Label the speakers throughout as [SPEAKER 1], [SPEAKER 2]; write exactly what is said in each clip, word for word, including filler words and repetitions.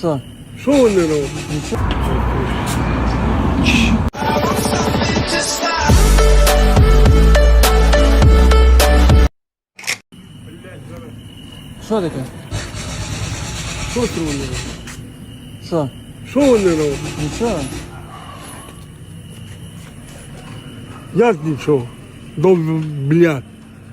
[SPEAKER 1] Що?
[SPEAKER 2] Що вони роблять?
[SPEAKER 1] Що таке?
[SPEAKER 2] Що це вони роблять?
[SPEAKER 1] Що?
[SPEAKER 2] Що вони роблять?
[SPEAKER 1] Нічого.
[SPEAKER 2] Як нічого? До блядь.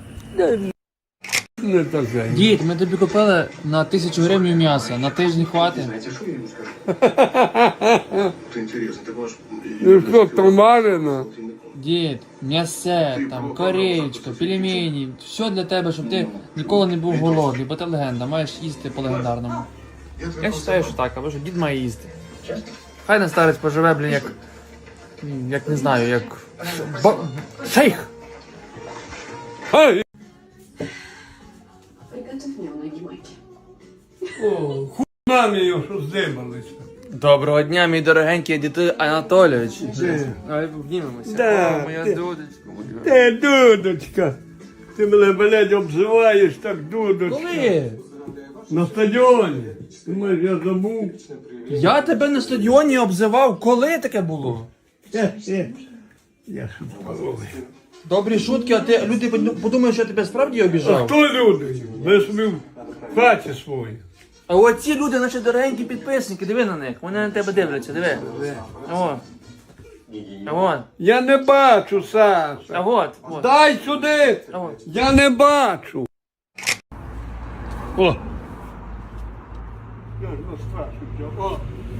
[SPEAKER 2] Не таке.
[SPEAKER 1] Дід, ми тобі купили на тисячу гривень м'яса. На тиждень хватить?
[SPEAKER 3] Знаете, что я ему скажу? Это интересно, ты можешь...
[SPEAKER 2] Ну що, томарина?
[SPEAKER 1] Дід, м'ясе, там, корейчка, пельмені, все для тебе, щоб ти ніколи не був голодний, бо ти легенда, маєш їсти по легендарному. Я вважаю, що так, або що дід має їсти. Хай на старець поживе, блін, як, як не знаю, як ба... шейх.
[SPEAKER 2] Ай!
[SPEAKER 4] Приготовь мне ноги майки.
[SPEAKER 2] О, хуйна його, що здибалися.
[SPEAKER 1] Доброго дня, мій дорогенький дід Анатолійович.
[SPEAKER 2] Де?
[SPEAKER 1] Давай обнімемося.
[SPEAKER 2] Да,
[SPEAKER 1] О, моя
[SPEAKER 2] ти-
[SPEAKER 1] дудочка. моя.
[SPEAKER 2] Ти, дудочка, ти мене, блядь, обзиваєш так, дудочка.
[SPEAKER 1] Коли?
[SPEAKER 2] На стадіоні. Ти маєш, я забув.
[SPEAKER 1] Я тебе на стадіоні обзивав, коли таке було?
[SPEAKER 2] Е, е. Я шутковий.
[SPEAKER 1] Добрі шутки, а ти люди подумають, що я тебе справді обіжав.
[SPEAKER 2] Хто люди? Ви собі в хаті свої.
[SPEAKER 1] А оці люди, наші дорогенькі підписники, диви на них, вони на тебе дивляться, диви. О. А от,
[SPEAKER 2] Я не бачу, Саша.
[SPEAKER 1] а от, от.
[SPEAKER 2] Дай сюди!
[SPEAKER 1] А от.
[SPEAKER 2] Я не бачу. О! Я ж настрашився. О!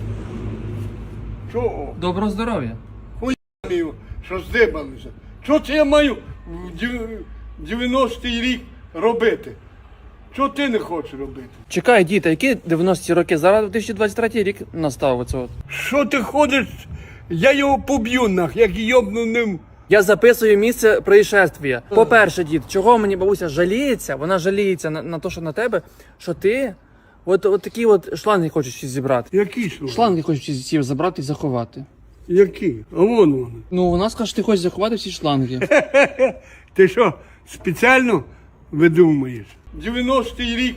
[SPEAKER 2] Чого?
[SPEAKER 1] Доброго здоров'я.
[SPEAKER 2] Мію, що здибалися. Що це я маю в дев- дев'яностий рік робити? Що ти не хочеш робити?
[SPEAKER 1] Чекай, діти, які дев'яності роки? Зараз дві тисячі двадцять третій рік настав оце от.
[SPEAKER 2] Що ти ходиш? Я його поб'ю нах, як йобну ним.
[SPEAKER 1] Я записую місце происшествия. По-перше, дід, чого мені бабуся жаліється? Вона жаліється на, на те, що на тебе, що ти от, от такі от шланги хочеш всі зібрати.
[SPEAKER 2] Які слова?
[SPEAKER 1] Шланги хочеш всі всі забрати і заховати.
[SPEAKER 2] Які? А вон вони.
[SPEAKER 1] Ну, вона скаже, що ти хочеш заховати всі шланги.
[SPEAKER 2] Ти що, спеціально видумуєш? дев'яностий рік.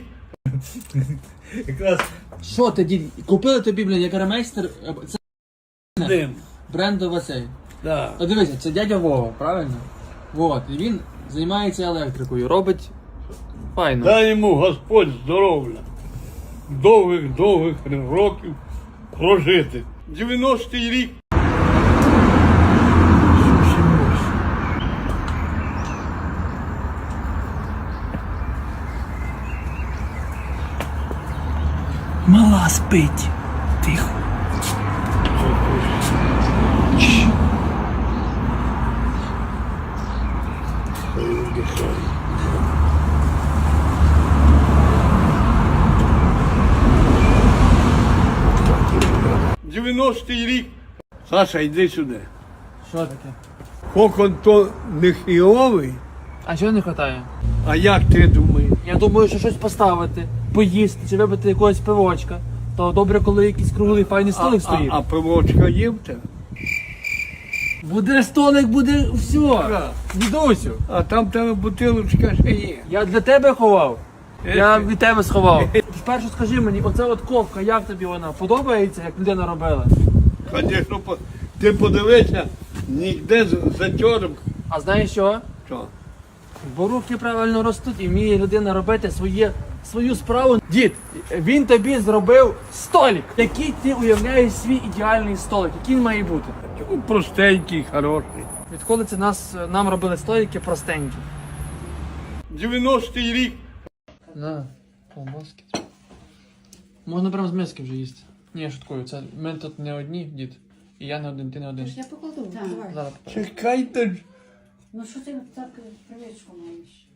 [SPEAKER 1] Що ти, дід, купили тобі, блін, як ремейстер, це
[SPEAKER 2] Дим.
[SPEAKER 1] брендова цей.
[SPEAKER 2] Да.
[SPEAKER 1] Та дивися, це дядя Вова, правильно? Вот, і він займається електрикою, робить файно.
[SPEAKER 2] Дай йому Господь здоров'я. Довгих-довгих років прожити. дев'яностий рік.
[SPEAKER 1] Мала спить. Тихо.
[SPEAKER 2] дев'яностий рік. Саша, йди сюди.
[SPEAKER 1] Що таке?
[SPEAKER 2] Кокон то не хіровий,
[SPEAKER 1] А чого не вистачає?
[SPEAKER 2] а як ти думаєш?
[SPEAKER 1] Я думаю, що щось поставити, поїсти чи випити якогось пивочка. То добре, коли якийсь круглий файний
[SPEAKER 2] А,
[SPEAKER 1] столик
[SPEAKER 2] а,
[SPEAKER 1] стоїть.
[SPEAKER 2] а пивочка є в тебе?
[SPEAKER 1] Буде столик, буде все. Дідусю,
[SPEAKER 2] А там в тебе бутилочка ще є.
[SPEAKER 1] я для тебе ховав. Я від тебе сховав. Спершу скажи мені, оце от ковка, як тобі вона? Подобається, як людина робила?
[SPEAKER 2] Звісно, по- ти подивися, ніде з затьором.
[SPEAKER 1] А знаєш що?
[SPEAKER 2] Що?
[SPEAKER 1] Бо руки правильно ростуть і вміє людина робити своє, свою справу. Дід, він тобі зробив столик. Який ти уявляєш свій ідеальний столик? Який він має бути?
[SPEAKER 2] Ну, простенький, хороший.
[SPEAKER 1] Відколи це нас, нам робили столики простенькі?
[SPEAKER 2] дев'яностий рік.
[SPEAKER 1] На, колбаски. Можна прямо з миски вже їсти. Ні, я шуткую, це ми тут не одні, дід. І я не один, ти не один.
[SPEAKER 4] Я покладу. Давай.
[SPEAKER 1] Зараз покажу.
[SPEAKER 2] Чекайте ж.
[SPEAKER 4] Ну що ти так привичку маєш?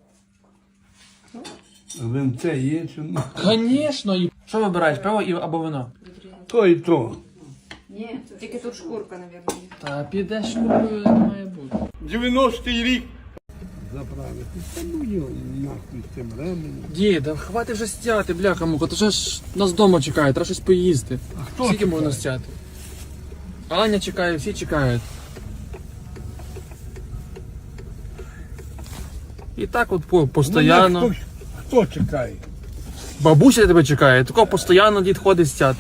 [SPEAKER 2] Винце є чи ні?
[SPEAKER 1] Звісно, і... Що вибираєш, пиво і або вино?
[SPEAKER 2] То і то.
[SPEAKER 4] Ні,
[SPEAKER 5] Тільки тут шкурка, мабуть.
[SPEAKER 1] Та підеш купою, не має бути.
[SPEAKER 2] дев'яностий рік. Заправити. Та ну його нахуй з цим ременем.
[SPEAKER 1] Дід, да хватить вже стяти, бляха муха, то вже ж нас вдома чекають, треба щось поїсти.
[SPEAKER 2] А хто
[SPEAKER 1] Скільки
[SPEAKER 2] чекає?
[SPEAKER 1] можна стяти? Аня чекає, всі чекають. І так от по,
[SPEAKER 2] Ну,
[SPEAKER 1] постоянно.
[SPEAKER 2] Хто, хто чекає?
[SPEAKER 1] Бабуся тебе чекає, такого постійно дід ходить стяти.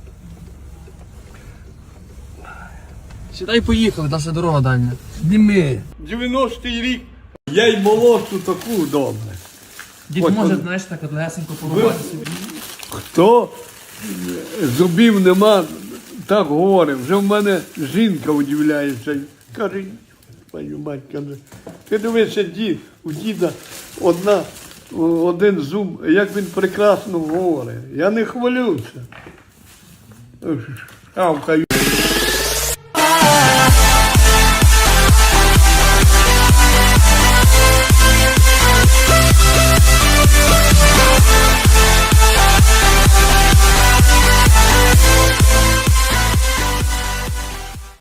[SPEAKER 1] Сідай, поїхали, наша дорога дальня.
[SPEAKER 2] Зніми. дев'яностий рік. Я й молошу таку добре.
[SPEAKER 1] Дід
[SPEAKER 2] Ось,
[SPEAKER 1] може,
[SPEAKER 2] от-
[SPEAKER 1] знаєш, так от лесенько порубати собі.
[SPEAKER 2] Хто зубів нема, так говорить. Вже в мене жінка удивляється. Каже, пані мать, каже, ти дивишся, дід, у діда одна, один зуб, як він прекрасно говорить. Я не хвалюся. Шавкаю.